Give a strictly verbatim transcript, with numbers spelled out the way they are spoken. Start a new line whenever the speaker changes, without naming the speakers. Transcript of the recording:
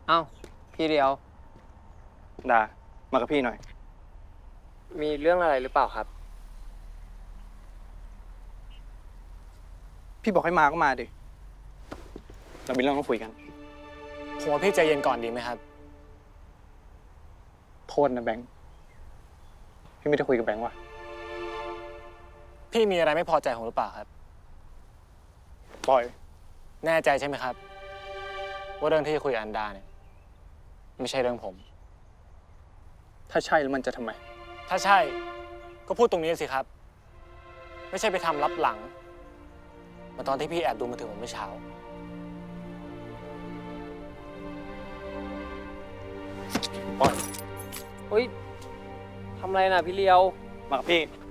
เอ้าพี่เดียว
ดามากับพี่หน่อย
มีเรื่องอะไรหรือเปล่าครับ
พี่บอกให้มาก็มาดิเรามีเรื่องต้องคุยกัน
ผมว่าพี่ใจเย็นก่อนดีไหมครับ
โทษนะแบงค์พี่ไม่ได้คุยกับแบงค์ว่ะ
พี่มีอะไรไม่พอใจผมหรือเปล่าครับ
ปล่อย
แน่ใจใช่ไหมครับว่าเรื่องที่คุยกับอันดาเนี่ยไม่ใช่เรื่องผม
ถ้าใช่แล้วมันจะทำไม
ถ้าใช่ก็พูดตรงนี้สิครับไม่ใช่ไปทำลับหลังเหมือนตอนที่พี่แอบดูมือถือผมเมื่อเช้า
ปล่อย
เฮ้ยทำอะไรน่ะพี่เลียว
มากับพี่